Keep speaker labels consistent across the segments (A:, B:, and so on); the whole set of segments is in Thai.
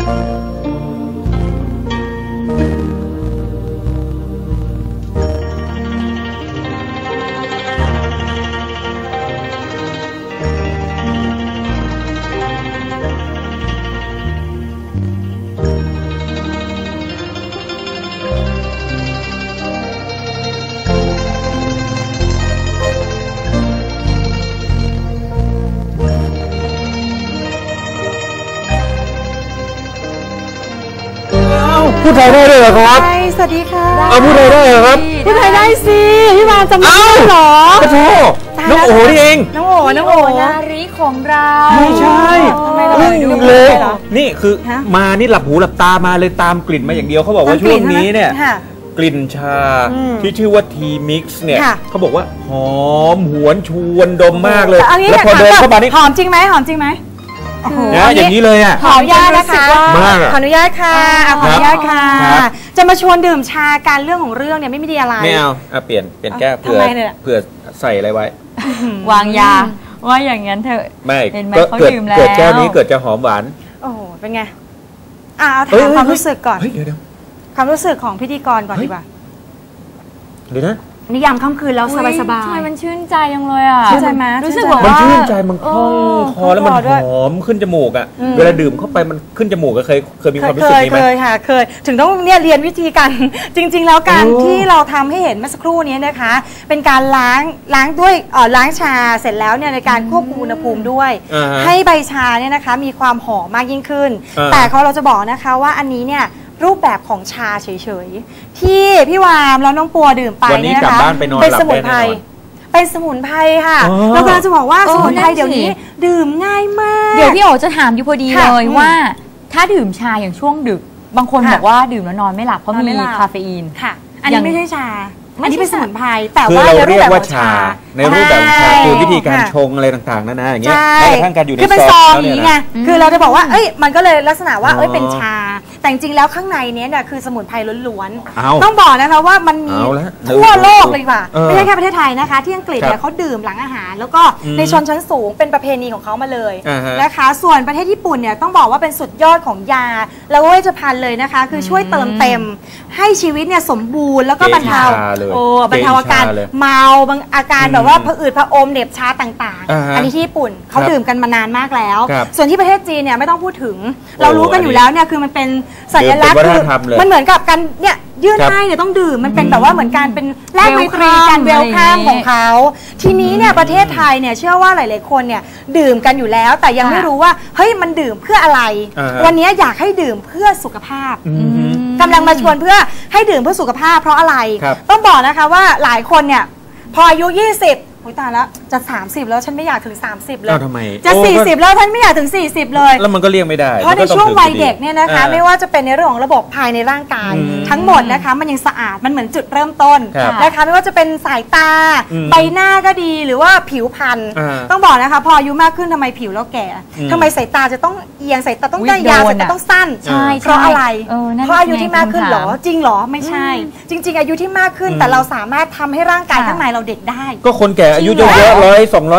A: พูดไทยได้เลยเหรอครับ
B: สวัสดีค่ะ
A: พูดไทยได้เหรอครับ
B: พูดไทยได้สิพี่วานจำได้เหรอ
A: โอ้โหน้องโอ๋นี่เอง
B: น้องโอ๋นาริของเรา
A: ไม่ใช่อึ้งเลยนี่คือมานี่หลับหูหลับตามาเลยตามกลิ่นมาอย่างเดียวเขาบอกว่าช่วงนี้เนี่ยกลิ่นชาที่ชื่อว่าทีมิกซ์เนี่ยเขาบอกว่าหอมหวนชวนดมมากเลยแล้วพอเดินเข้ามานี่
B: หอมจริงไหมหอมจริงไหม
A: อย่างนี้เลยอ่ะ
B: ขออนุญาตนะคะขออนุญาตค่ะขออนุญาตค่ะจะมาชวนดื่มชาการเรื่องของเรื่องเนี่ยไม่มีอะไร
A: ไม่เอาเปลี่ยนแก้วเผื่อใส่อะไรไว้
C: วางยาว่าอย่างนั้นเถอะ
A: ไม่ก็เกิดแก้วนี้เกิดจะหอมหวาน
B: โอ้โหเป็นไงเอาถามความรู้สึกก่อน
A: เดี๋ยว
B: ความรู้สึกของพิธีกรก่อนดีกว่า
A: เดี๋ยวนะ
B: นิยามค่ำคืนแล้วสบาย
C: ๆใช่มันชื่นใจยังเลยอ่ะ
B: ชื่นใจไหม
C: รู้สึกว่า
A: มันชื่นใจมันคล่องคอแล้วมันหอมขึ้นจมูกอ่ะเวลาดื่มเข้าไปมันขึ้นจมูกเคยมีความรู้สึกนี้ไหม
B: เคยค่ะเคยถึงต้องเนี่ยเรียนวิธีการจริงๆแล้วการที่เราทำให้เห็นเมื่อสักครู่นี้นะคะเป็นการล้างด้วยล้างชาเสร็จแล้วเนี่ยในการควบคุมอุณหภูมิด้วยให้ใบชาเนี่ยนะคะมีความหอมมากยิ่งขึ้นแต่เราจะบอกนะคะว่าอันนี้เนี่ยรูปแบบของชาเฉยๆที่พี่วามแล้วน้องปัวดื่มไปเนี่ยนะคะเป็นสมุนไพรเป็นสมุนไพรค่ะแล้วก็จะบอกว่าสมุนไพรเดี๋ยวนี้ดื่มง่ายมาก
C: เดี๋ยวพี่โอจะถามอยู่พอดีเลยว่าถ้าดื่มชาอย่างช่วงดึกบางคนบอกว่าดื่มแล้วนอนไม่หลับเพราะมีคาเฟอีน
B: ค่ะอันนี้ไม่ใช่ชาอันนี้เป็นสมุนไพรแต่
A: ว่าเราเรียกว่าชาในรูปแบบชาคือวิธีการชงอะไรต่างๆนั่นนะอย่างเงี้ยแม้กระทั่งการอยู่ใน
B: ซองนี้ไงคือเราจะบอกว่ามันก็เลยลักษณะว่าเป็นชาแต่จริงๆแล้วข้างในนี้เนี่ยคือสมุนไพรล้วนๆต้องบอกนะคะว่ามันมีทั่วโลกเลยว่ะไม่ใช่แค่ประเทศไทยนะคะที่อังกฤษเนี่ยเขาดื่มหลังอาหารแล้วก็ในชนชั้นสูงเป็นประเพณีของเขามาเลยนะคะส่วนประเทศญี่ปุ่นเนี่ยต้องบอกว่าเป็นสุดยอดของยาแล้วเวชภัณฑ์เลยนะคะคือช่วยเติมเต็มให้ชีวิตเนี่ยสมบูรณ์แล้วก็บรรเทาอาการเมาบางอาการแบบว่าผะอืดผะอมเหน็บชาต่างๆอันนี้ที่ญี่ปุ่นเขาดื่มกันมานานมากแล้วส่วนที่ประเทศจีนเนี่ยไม่ต้องพูดถึงเรารู้กันอยู่แล้วเนี่ยคือมันเป็นสัญลักษณ์คือมันเหมือนกับการเนี่ยยื่นให้เนี่ยต้องดื่มมันเป็นแบบว่าเหมือนการเป็นแลกไมตรีการเวลคัมของเขาทีนี้เนี่ยประเทศไทยเนี่ยเชื่อว่าหลายๆคนเนี่ยดื่มกันอยู่แล้วแต่ยังไม่รู้ว่าเฮ้ยมันดื่มเพื่ออะไรวันนี้อยากให้ดื่มเพื่อสุขภาพกำลังมาชวนเพื่อให้ดื่มเพื่อสุขภาพเพราะอะไรต้องบอกนะคะว่าหลายคนเนี่ยพออายุ20โอ้ยตายแล้วจะ30แล้วฉันไม่อยากถึง30เลยจะ40แล้วฉันไม่อยากถึง40เลย
A: แล้วมันก็เลี่ยงไม่ได้
B: เพราะในช่วงวัยเด็กเนี่ยนะคะไม่ว่าจะเป็นในเรื่องของระบบภายในร่างกายทั้งหมดนะคะมันยังสะอาดมันเหมือนจุดเริ่มต้นนะคะไม่ว่าจะเป็นสายตาใบหน้าก็ดีหรือว่าผิวพรรณต้องบอกนะคะพออายุมากขึ้นทำไมผิวเราแก่ทำไมสายตาจะต้องเอียงสายตาต้องได้ยาวสายตาต้องสั้นเพราะอะไรเพราะอายุที่มากขึ้นหรอจริงหรอไม่ใช่จริงๆอายุที่มากขึ้นแต่เราสามารถทำให้ร่างกายข้างในเราเด็กได้
A: ก็คนแก่อายุเยอะๆ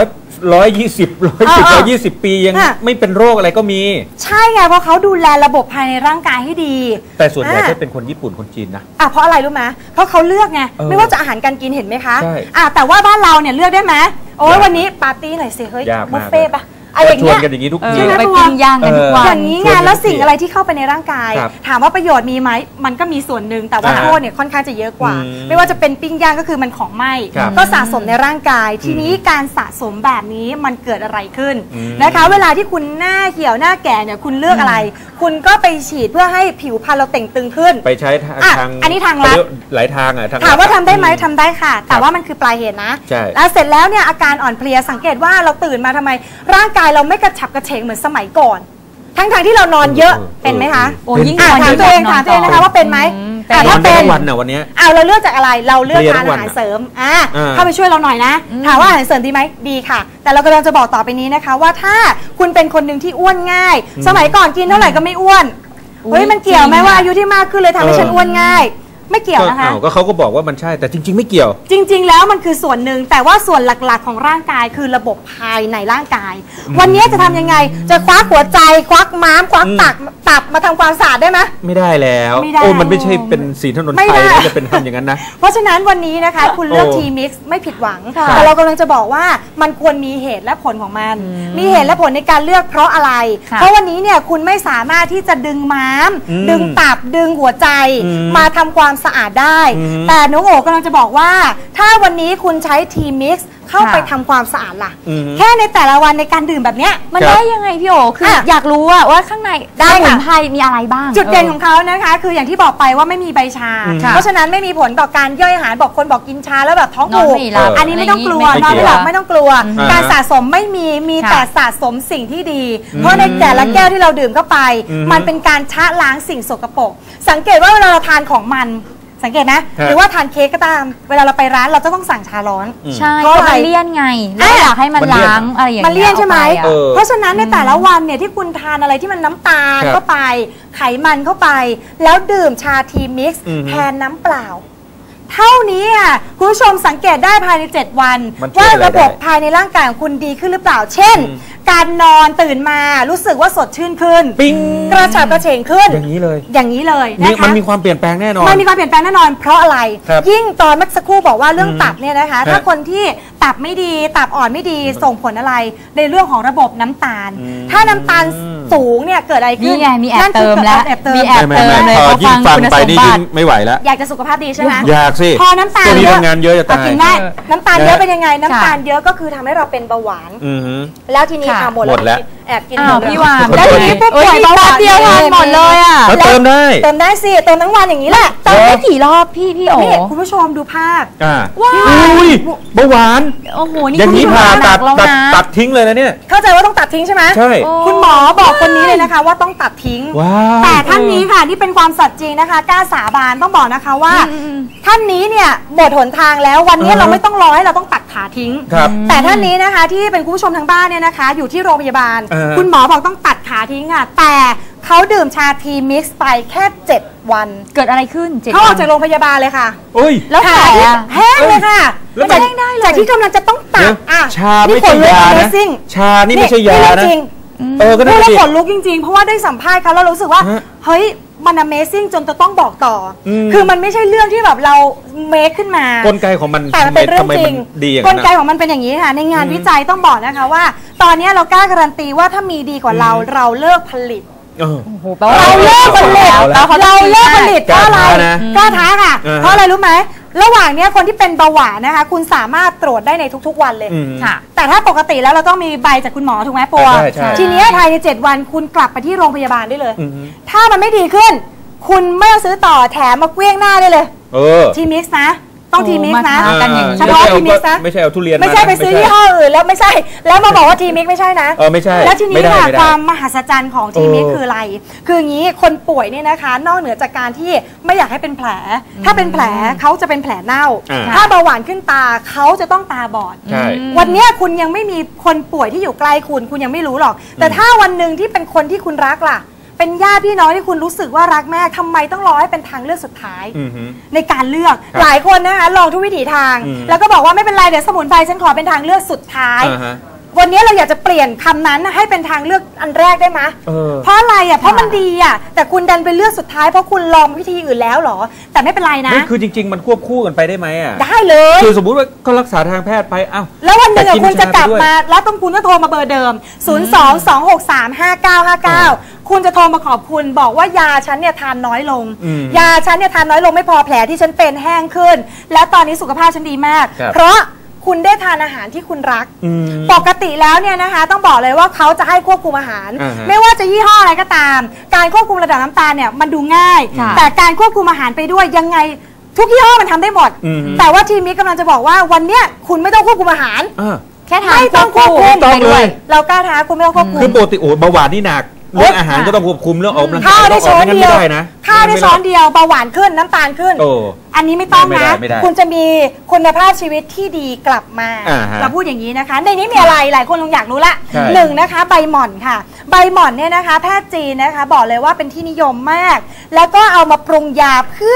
A: 120 ปียังไม่เป็นโรคอะไรก็มี
B: ใช่ไงเพราะเขาดูแลระบบภายในร่างกายให้ดี
A: แต่ส่วนใหญ่จะเป็นคนญี่ปุ่นคนจีนนะ
B: เพราะอะไรรู้ไหมเพราะเขาเลือกไงไม่ว่าจะอาหารการกินเห็นไหมคะแต่ว่าบ้านเราเนี่ยเลือกได้ไหมโอ้ยวันนี้ปาร์ตี้หน่อยสิเฮ้ยบุฟเฟ่ปะ
A: อะไรชวนกันอย่างนี้ทุกที
C: ไปปิ้งย่างกันทุกวัน
B: อย่างนี้ไงแล้วสิ่งอะไรที่เข้าไปในร่างกายถามว่าประโยชน์มีไหมมันก็มีส่วนหนึ่งแต่ว่าโทษเนี่ยค่อนข้างจะเยอะกว่าไม่ว่าจะเป็นปิ้งย่างก็คือมันของไหม้ก็สะสมในร่างกายทีนี้การสะสมแบบนี้มันเกิดอะไรขึ้นนะคะเวลาที่คุณหน้าเหี่ยวหน้าแก่เนี่ยคุณเลือกอะไรคุณก็ไปฉีดเพื่อให้ผิวพรรณเราเต่งตึงขึ้น
A: ไปใช้ทาง
B: อันนี้ทางลัด
A: หลายทาง
B: ถามว่าทำได้ไหมทำได้ค่ะแต่ว่ามันคือปลายเหตุนะแล้วเสร็จแล้วเนี่ยอาการอ่อนเพลียสังเกตว่าเราตื่นมาทำไมร่างกายเราไม่กระฉับกระเฉงเหมือนสมัยก่อนทั้งที่เรานอนเยอะเป็นไหมคะ
C: โอ้ยิ่ง
B: ถามตัวเองนะคะว่าเป็นไหม
A: ถ้าเป็นวันน่ะวันนี้
B: เราเลือกจากอะไรเราเลือกทานอาหารเสริมเข้าไปช่วยเราหน่อยนะถามว่าอาหารเสริมดีไหมดีค่ะแต่เรากำลังจะบอกต่อไปนี้นะคะว่าถ้าคุณเป็นคนหนึ่งที่อ้วนง่ายสมัยก่อนกินเท่าไหร่ก็ไม่อ้วนเฮ้ยมันเกี่ยวไหมว่าอายุที่มากขึ้นเลยทำให้ฉันอ้วนง่ายไม่เกี่ยวนะคะ
A: ก็เขาก็บอกว่ามันใช่แต่จริงๆไม่เกี่ยว
B: จริงๆแล้วมันคือส่วนหนึ่งแต่ว่าส่วนหลักๆของร่างกายคือระบบภายในร่างกายวันนี้จะทำยังไงจะควักหัวใจควักม้ามควักตับมาทำความสะอาดได้ไหม
A: ไม่ได้แล้วโอ้มันไม่ใช่เป็นสีถนนไทยที่จะเป็นทำอย่างนั้นนะ
B: เพราะฉะนั้นวันนี้นะคะคุณเลือกทีมิกซ์ไม่ผิดหวังแต่เรากำลังจะบอกว่ามันควรมีเหตุและผลของมันมีเหตุและผลในการเลือกเพราะอะไรเพราะวันนี้เนี่ยคุณไม่สามารถที่จะดึงม้ามดึงตับดึงหัวใจมาทำความสะอาดได้แต่น้องโอ๋กำลังจะบอกว่าถ้าวันนี้คุณใช้ทีมิกซ์เข้าไปทำความสะอาดล่ะแค่ในแต่ละวันในการดื่มแบบเนี้ย
C: มันได้ยังไงพี่โอ๋คืออยากรู้ว่าข้างในสมุนไพรมีอะไรบ้าง
B: จุดเด่นของเขานะคะคืออย่างที่บอกไปว่าไม่มีใบชาเพราะฉะนั้นไม่มีผลต่อการย่อยอาหารบอกคนบอกกินชาแล้วแบบท้องผูกอันนี้ไม่ต้องกลัวนอนไม่หลับไม่ต้องกลัวการสะสมไม่มีแต่สะสมสิ่งที่ดีเพราะในแต่ละแก้วที่เราดื่มเข้าไปมันเป็นการชะล้างสิ่งสกปรกสังเกตว่าเวลาเราทานของมันสังเกตนะหรือว่าทานเค้กก็ตามเวลาเราไปร้านเราจะต้องสั่งชาร้อน
C: ใช่เพราะมันเลี่ยนไงแล้วอยากให้มันล้างอะไรอย่างเงี้ย
B: มันเลี่ยนใช่ไหมเพราะฉะนั้นในแต่ละวันเนี่ยที่คุณทานอะไรที่มันน้ำตาลเข้าไปไขมันเข้าไปแล้วดื่มชาทีมิกซ์แทนน้ำเปล่าเท่านี้อ่ะคุณผู้ชมสังเกตได้ภายใน7วันว่าระบบภายในร่างกายของคุณดีขึ้นหรือเปล่าเช่นการนอนตื่นมารู้สึกว่าสดชื่นขึ้นกระฉับกระเฉงขึ้น
A: อย่างนี้เลย
B: นะคะ
A: มันมีความเปลี่ยนแปลงแน่นอน
B: มันมีความเปลี่ยนแปลงแน่นอนเพราะอะไรยิ่งตอนเมื่อสักครู่บอกว่าเรื่องตับเนี่ยนะคะถ้าคนที่ตับไม่ดีตับอ่อนไม่ดีส่งผลอะไรในเรื่องของระบบน้ำตาลถ้าน้ำตาลสูงเนี่ยเกิดอะไรขึ้น
C: มีแอบเติมแล้ว
B: มีแอบ
C: เติมเลย
A: ยิ่งฟังไปนี่ยิ่งไม่ไหวแล้ว
B: อยากจะสุขภาพดีใช่ไหม
A: อยากสิ
B: พอน้ำตาล
A: เยอะทำงานเยอะจะตาย
B: กินได้น้ำตาลเยอะเป็นยังไงน้ำตาลเยอะก็คือทำให้เราเป็นเบาหวานแล้วทีนี้หมดแล้วแอบกิน
C: พี่วาน
B: แล้วทีนี้ผู้ป่วยเบาหวาน
C: เดียวทานหมดเลยอ่ะ
A: เติม
B: ได้สิเติมทั้งวันอย่างนี้แหละ
C: เติมได้กี่รอบพี่โอ๋
B: คุณผู้ชมดูภาพ
A: ว้าวเบาหวาน
C: โอ้โหนี่
A: อย่างนี้ผ่าตัดทิ้งเลยนะเนี่ย
B: เข้าใจว่าต้องตัดทิ้งใช่ไหม
A: ใช่
B: คุณหมอบอกคนนี้เลยนะคะว่าต้องตัดทิ้งแต่ท่านนี้ค่ะนี่เป็นความสัตย์จริงนะคะกล้าสาบานต้องบอกนะคะว่าท่านนี้เนี่ยหมดหนทางแล้ววันนี้เราไม่ต้องรอให้เราต้องตัดขาทิ้งแต่ท่านนี้นะคะที่เป็นคุณผู้ชมทางบ้านเนี่ยนะคะอยู่ที่โรงพยาบาลคุณหมอบอกต้องตัดขาทิ้งค่ะแต่เขาดื่มชาทีมิกซ์ไปแค่7วัน
C: เกิดอะไรขึ้น
B: เขาออกจากโรงพยาบาลเลยค่ะ
C: แล้วแผล
B: แห้งเลยค่ะจากที่กำลังจะต้องตัด
A: ชาไม่ใช่ยานะชานี่ไม่ใช่ยานะ
B: ก็ได้ขนลุกจริงๆเพราะว่าได้สัมภาษณ์เขาแล้วรู้สึกว่าเฮ้ยมัน Amazing จนจะต้องบอกต่อคือมันไม่ใช่เรื่องที่แบบเราเมคขึ้นมาก
A: ลไกของมัน
B: แต่มันเป็นเรื่องจริงกลไกของมันเป็นอย่างนี้ค่ะในงานวิจัยต้องบอกนะคะว่าตอนนี้เรากล้าการันตีว่าถ้ามีดีกว่าเราเลิกผลิตเราเลิกผลิตเพราะอะไรกล้าท้าค่ะเพราะอะไรรู้ไหมระหว่างนี้คนที่เป็นเบาหวานนะคะคุณสามารถตรวจได้ในทุกๆวันเลยค่ะแต่ถ้าปกติแล้วเราต้องมีใบจากคุณหมอถูกไหมปัวทีนี้ภายใน7วันคุณกลับไปที่โรงพยาบาลได้เลยถ้ามันไม่ดีขึ้นคุณไม่ต้องซื้อต่อแถมมาเกลี้ยงหน้าได้เลยทีมิกซ์นะต้องทีมิกซ์นะเฉพาะทีมิกซ์นะ
A: ไม่ใช่เอาทุเรียน
B: ไม่ใช่ไปซื้อยี่ห้ออื่นแล้วไม่ใช่แล้วมาบอกว่าทีมิกซ์ไม่ใช่นะ
A: ไม่ใช่
B: แล้วทีนี้ค่ะความมหัศจรรย์ของทีมิกซ์คืออะไรคืออย่างนี้คนป่วยเนี่ยนะคะนอกเหนือจากการที่ไม่อยากให้เป็นแผลถ้าเป็นแผลเขาจะเป็นแผลเน่าถ้าเบาหวานขึ้นตาเขาจะต้องตาบอดวันนี้คุณยังไม่มีคนป่วยที่อยู่ใกล้คุณยังไม่รู้หรอกแต่ถ้าวันหนึ่งที่เป็นคนที่คุณรักล่ะเป็นญาติพี่น้องที่คุณรู้สึกว่ารักแม่ทำไมต้องรอให้เป็นทางเลือกสุดท้ายในการเลือกหลายคนนะคะลองทุกวิถีทางแล้วก็บอกว่าไม่เป็นไรเดี๋ยวสมุนไพรฉันขอเป็นทางเลือกสุดท้ายวันนี้เราอยากจะเปลี่ยนคำนั้นให้เป็นทางเลือกอันแรกได้ไหมเพราะอะไรอ่ะเพราะมันดีอ่ะแต่คุณดันเป็นเลือกสุดท้ายเพราะคุณลองวิธีอื่นแล้วหรอแต่ไม่เป็นไรนะ
A: คือจริงๆมันควบคู่กันไปได้ไหมอ่ะ
B: ได้เลย
A: คือสมมุติว่าก็รักษาทางแพทย์ไป
B: แล้ววันหนึ่งคุณจะกลับมาแล้วต้องคุณก็โทรมาเบอร์เดิม022635959คุณจะโทรมาขอบคุณบอกว่ายาฉันเนี่ยทานน้อยลงยาฉันเนี่ยทานน้อยลงไม่พอแผลที่ฉันเป็นแห้งขึ้นแล้วตอนนี้สุขภาพฉันดีมากเพราะคุณได้ทานอาหารที่คุณรักปกติแล้วเนี่ยนะคะต้องบอกเลยว่าเขาจะให้ควบคุมอาหารไม่ว่าจะยี่ห้ออะไรก็ตามการควบคุมระดับน้ำตาลเนี่ยมันดูง่ายแต่การควบคุมอาหารไปด้วยยังไงทุกยี่ห้อมันทำได้หมดแต่ว่าทีมนี้กำลังจะบอกว่าวันเนี้ยคุณไม่ต้องควบคุมอาหารแค่ทานไม่ต้องควบคุมไปด้วยเรากล้าท้าคุณไม่ต้องควบคุม
A: คือปกติเบาหวานนี่หนักเรื่องอาหารก็ต้องควบคุมเรื่องออกกำลังกาย
B: ข้าวได้ช้อนเดียวข้าวได้ช้อนเดียวเบาหวานขึ้นน้ำตาลขึ้นอันนี้ไม่ต้องนะคุณจะมีคุณภาพชีวิตที่ดีกลับมาเราพูดอย่างนี้นะคะในนี้มีอะไรหลายคนคงอยากรู้ละหนึ่งนะคะใบหม่อนค่ะใบหม่อนเนี่ยนะคะแพทย์จีนนะคะบอกเลยว่าเป็นที่นิยมมากแล้วก็เอามาปรุงยาเพื่อ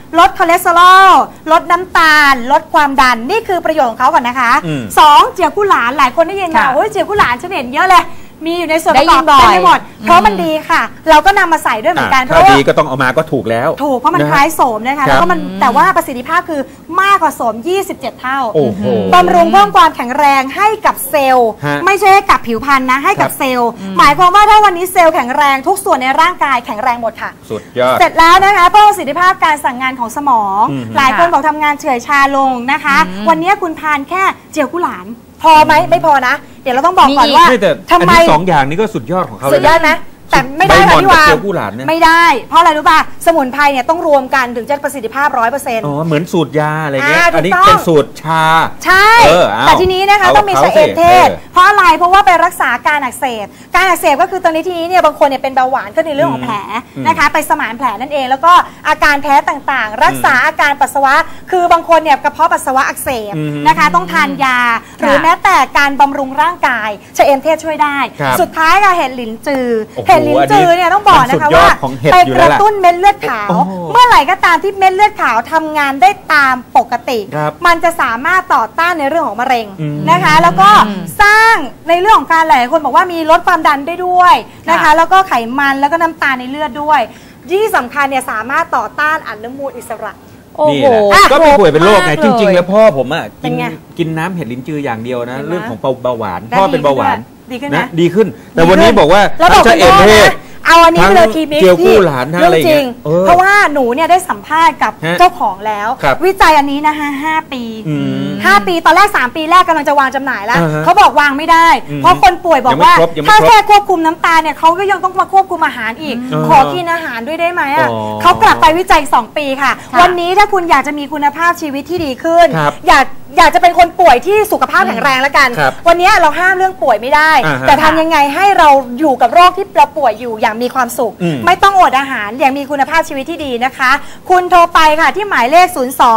B: ลดคอเลสเตอรอลลดน้ำตาลลดความดันนี่คือประโยชน์ของเขาก่อนนะคะ2เจียวกุหลาบหลายคนได้ยินมาโอ้ยเจียวกุหลาบฉันเห็นเยอะเลยมีอยู่ในส่วนประกอบเต็มไปหมดเพราะมันดีค่ะเราก็นำมาใส่ด้วยเหมือนกันเพราะว่าดี
A: ก็ต้องเอามาก็ถูกแล้ว
B: ถูกเพราะมันคล้ายโสมนะคะแล้วก็มันแต่ว่าประสิทธิภาพคือมากกว่าโสม27 เท่าบำรุงเพิ่มความแข็งแรงให้กับเซลล์ไม่ใช่ให้กับผิวพรรณนะให้กับเซลล์หมายความว่าถ้าวันนี้เซลล์แข็งแรงทุกส่วนในร่างกายแข็งแรงหมดค่ะ
A: สุดยอด
B: เสร็จแล้วนะคะเพิ่มประสิทธิภาพการสั่งงานของสมองหลายคนบอกทำงานเฉื่อยชาลงนะคะวันนี้คุณทานแค่เจียวกุหลาบพอไหมไม่พอนะเดี๋ยวเราต้องบอกก่อนว่า
A: ทำไม2 อย่างนี้ก็สุดยอดของเขาเลย
B: สุดยอดไหมแต่ไม่ได้ค่ะพี่วานไม่ได้เพราะอะไรรู้ป่ะสมุนไพรเนี่ยต้องรวมกันถึงจะประสิทธิภาพ 100%
A: อ๋อเหมือนสูตรยาอะไรเงี้ยอันนี้เป็นสูตรชา
B: ใช่แต่ทีนี้นะคะต้องมีชะเอมเทศเพราะอะไรเพราะว่าไปรักษาการอักเสบก็คือตอนนี้ทีนี้เนี่ยบางคนเนี่ยเป็นเบาหวานก็ในเรื่องของแผลนะคะไปสมานแผลนั่นเองแล้วก็อาการแพ้ต่างๆรักษาอาการปัสสาวะคือบางคนเนี่ยกระเพาะปัสสาวะอักเสบนะคะต้องทานยาหรือแม้แต่การบำรุงร่างกายชะเอมเทศช่วยได้สุดท้ายค่ะเห็ดหลินจือลิ้นจือเนี่ยต้องบอกนะคะว่าไปกระตุ้นเม็ดเลือดขาวเมื่อไหร่ก็ตามที่เม็ดเลือดขาวทำงานได้ตามปกติมันจะสามารถต่อต้านในเรื่องของมะเร็งนะคะแล้วก็สร้างในเรื่องของการหลายคนบอกว่ามีลดความดันได้ด้วยนะคะแล้วก็ไขมันแล้วก็น้ำตาลในเลือดด้วยที่สำคัญเนี่ยสามารถต่อต้านอนุมูลอิสระ
A: นี่แหละก็ไม่ป่วยเป็นโรคไงจริงๆแล้วพ่อผมอ่ะกินน้ำเห็ดลิ้นจืออย่างเดียวนะเรื่องของเบาหวานพ่อเป็นเบาหวานนะดีขึ้นแต่วันนี้บอกว่า
B: ทั้งชะเอมเทศเอาอันนี้ไปเลยทีมิกซ์
A: เจียวกู้หลานเรื่องจริง
B: เพราะว่าหนูเนี่ยได้สัมภาษณ์กับเจ้าของแล้ววิจัยอันนี้นะคะ5 ปีตอนแรก3 ปีแรกกำลังจะวางจำหน่ายแล้วเขาบอกวางไม่ได้เพราะคนป่วยบอกว่าถ้าแค่ควบคุมน้ำตาลเนี่ยเขาก็ยังต้องมาควบคุมอาหารอีกขอกินอาหารด้วยได้ไหมอ่ะเขากลับไปวิจัย2 ปีค่ะวันนี้ถ้าคุณอยากจะมีคุณภาพชีวิตที่ดีขึ้นอยากจะเป็นคนป่วยที่สุขภาพแข็งแรงแล้วกันวันนี้เราห้ามเรื่องป่วยไม่ได้แต่ทำยังไงให้เราอยู่กับโรคที่เราป่วยอยู่อย่างมีความสุขไม่ต้องอดอาหารอย่างมีคุณภาพชีวิตที่ดีนะคะคุณโทรไปค่ะที่หมายเลข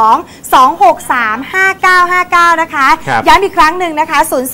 B: 02-263-5959 นะคะย้ำอีกครั้งหนึ่งนะคะ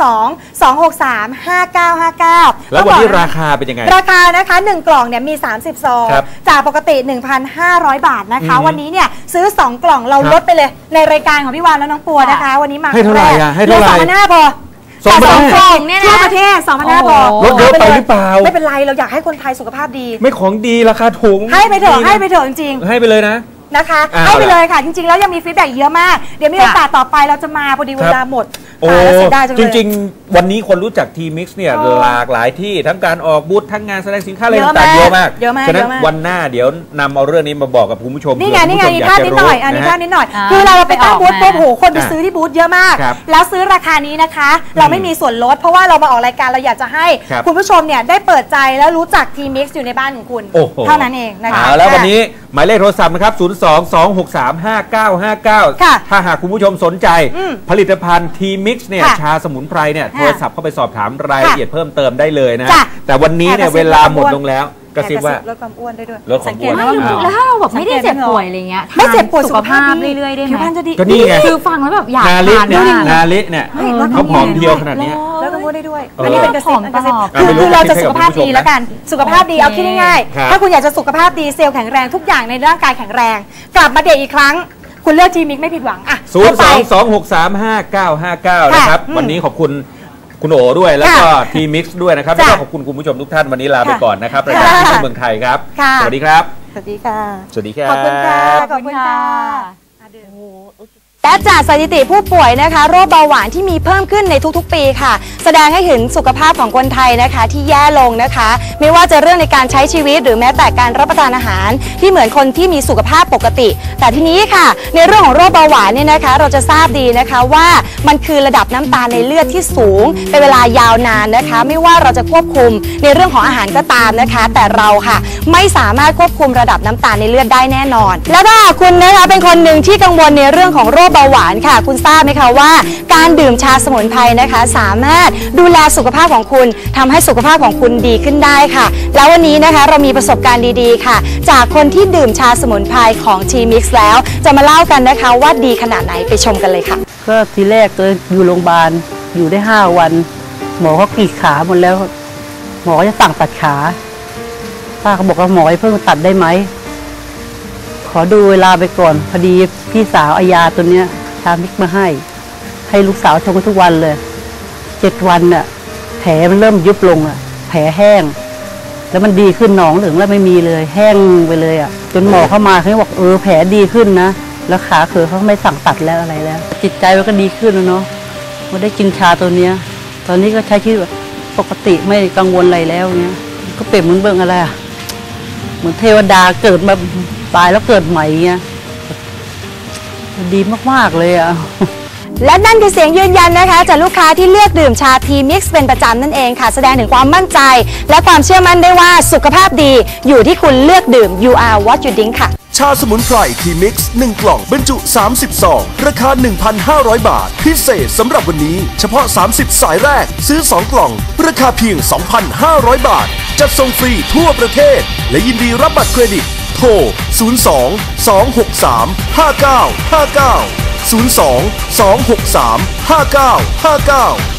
B: 02-263-5959
A: แล้ววันนี้ราคาเป็นยังไง
B: ราคานะคะ1 กล่องเนี่ยมี30 ซองจากปกติ 1,500 บาทนะคะวันนี้เนี่ยซื้อ2 กล่องเราลดไปเลยในรายการของพี่วานและน้องปัวนะคะวันนี้มา
A: ให้เท่าไหร่ให้เท่าไหร่
B: 2,500พอ2 กล่องเนี่ยนะทั่วประเทศ2,500พอ
A: ลดเยอะไปหรือเปล่า
B: ไม่เป็นไรเราอยากให้คนไทยสุขภาพดี
A: ไม่ของดีราคาถูก
B: ให้ไปเถอะจริง
A: ให้ไปเลย
B: นะคะให้ไปเลยค่ะจริงๆแล้วยังมีฟีดแบ็กเยอะมากเดี๋ยวมีโอกาสต่อไปเราจะมาพอดีเวลาหมด
A: จริงๆวันนี้คนรู้จักทีมิกซ์เนี่ยหลากหลายที่ทั้งการออกบูธทั้งงานแสดงสินค้าอะไรต่างๆเยอะมากฉะนั้นวันหน้าเดี๋ยวนำเอาเรื่องนี้มาบอกกับคุณผู้ชม
B: นี่ไงภาพนิดหน่อยภาพนิดหน่อยคือเราไปตั้งบูธปุ๊บโหคนไปซื้อที่บูธเยอะมากแล้วซื้อราคานี้นะคะเราไม่มีส่วนลดเพราะว่าเรามาออกรายการเราอยากจะให้คุณผู้ชมเนี่ยได้เปิดใจแล้วรู้จักทีมิกซ์อยู่ในบ้านของคุณเท่านั้นเองนะคะ
A: แล้ววันนี้หมายเลขโทรศัพท์นะครับ 02-263-5959 ถ้าหากคุณผู้ชมสนใจผลิตภัณฑ์ทีมิกซ์เนี่ยชาสมุนไพรเนี่ยโทรศัพท์เข้าไปสอบถามรายละเอียดเพิ่มเติมได้เลยนะแต่วันนี้เนี่ยเวลาหมดลงแล้วกระซิบว่า
B: ลดความอ้วนได้ด้วย
A: ลดความอ้วน
C: แล้วถ้าเราแบบไม่ได้เจ็บป่วยอะไรเงี้ย
B: ไม่เจ็บป่วย
C: สุขภาพเรื่อยๆได้ไหม
A: ก็นี่ไง
C: คือฟังแล้วแบบอยาก
A: ทานนาลิเนี่ยเขาผอมเพียวขนาดนี้
B: ลดความอ้วนได้ด้วยอันนี้เป็นกระซิบคือเราจะสุขภาพดีแล้วกันสุขภาพดีเอาคิดง่ายๆถ้าคุณอยากจะสุขภาพดีเซลล์แข็งแรงทุกอย่างในร่างกายแข็งแรงกลับมาเด็กอีกครั้งคุณเลือกทีมิกไม่ผิดหวังอ่ะ
A: 02-263-5959 นะครับวันนี้ขอบคุณคุณโอด้วยแล้วก็ทีมิกซ์ด้วยนะครับแล้วก็ขอบคุณคุณผู้ชมทุกท่านวันนี้ลาไปก่อนนะครับรายการที่เมืองไทยครับสวัสดีครับ
B: สวัสดีค่ะ
A: สวัสดีครับ
B: ขอบคุณค่ะขอบคุณค่ะและจากสถิติผู้ป่วยนะคะโรคเบาหวานที่มีเพิ่มขึ้นในทุกๆปีค่ะแสดงให้เห็นสุขภาพของคนไทยนะคะที่แย่ลงนะคะไม่ว่าจะเรื่องในการใช้ชีวิตหรือแม้แต่การรับประทานอาหารที่เหมือนคนที่มีสุขภาพปกติแต่ทีนี้ค่ะในเรื่องของโรคเบาหวานเนี่ยนะคะเราจะทราบดีนะคะว่ามันคือระดับน้ำตาลในเลือดที่สูงเป็นเวลายาวนานนะคะไม่ว่าเราจะควบคุมในเรื่องของอาหารก็ตามนะคะแต่เราค่ะไม่สามารถควบคุมระดับน้ำตาลในเลือดได้แน่นอนแล้วถ้าคุณนะคะเป็นคนหนึ่งที่กังวลในเรื่องของโรคเบาหวานค่ะคุณทราบไหมคะว่าการดื่มชาสมุนไพรนะคะสามารถดูแลสุขภาพของคุณทำให้สุขภาพของคุณดีขึ้นได้ค่ะแล้ววันนี้นะคะเรามีประสบการณ์ดีๆค่ะจากคนที่ดื่มชาสมุนไพรของทีมิกซ์แล้วจะมาเล่ากันนะคะว่าดีขนาดไหนไปชมกันเลยค่ะ
D: ก็ทีแรกตัวอยู่โรงพยาบาลอยู่ได้5 วันหมอเขากรีดขาหมดแล้วหมอจะสั่งตัดขาป้าเขาบอกว่าหมอให้เพิ่งตัดได้ไหมขออดูเวลาไปก่อนพอดีพี่สาวเอายาตัวเนี้ยชามิกมาให้ลูกสาวชงทุกวันเลย7 วันน่ะแผลมันเริ่มยุบลงอ่ะแผลแห้งแล้วมันดีขึ้นหนองเหลืองแล้วไม่มีเลยแห้งไปเลยอ่ะจนหมอเข้ามาเขาบอกแผลดีขึ้นนะแล้วขาเขอเขาไม่สั่งตัดแล้วอะไรแล้วจิตใจมันก็ดีขึ้นแล้วเนาะมาได้กินชาตัวเนี้ยตอนนี้ก็ใช้ชีวิตปกติไม่กังวลอะไรแล้วเนี้ยก็เปรียบเหมือนเบิ่งอะไรอ่ะเหมือนเทวดาเกิดมาตายแล้วเกิดใหม่เงี้ยดีมากๆเลยอ่ะ
B: และนั่นคือเสียงยืนยันนะคะจากลูกค้าที่เลือกดื่มชาทีมิกซ์เป็นประจำนั่นเองค่ะแสดงถึงความมั่นใจและความเชื่อมั่นได้ว่าสุขภาพดีอยู่ที่คุณเลือกดื่ม You are what you drink ค่ะ
E: ชาสมุนไพรทีมิกซ์1 กล่องบรรจุ30 ซองราคา 1,500 บาทพิเศษสำหรับวันนี้เฉพาะ30 สายแรกซื้อ2 กล่องราคาเพียง 2,500 บาทจัดส่งฟรีทั่วประเทศและยินดีรับบัตรเครดิตโทร 02-263-5959 02-263-5959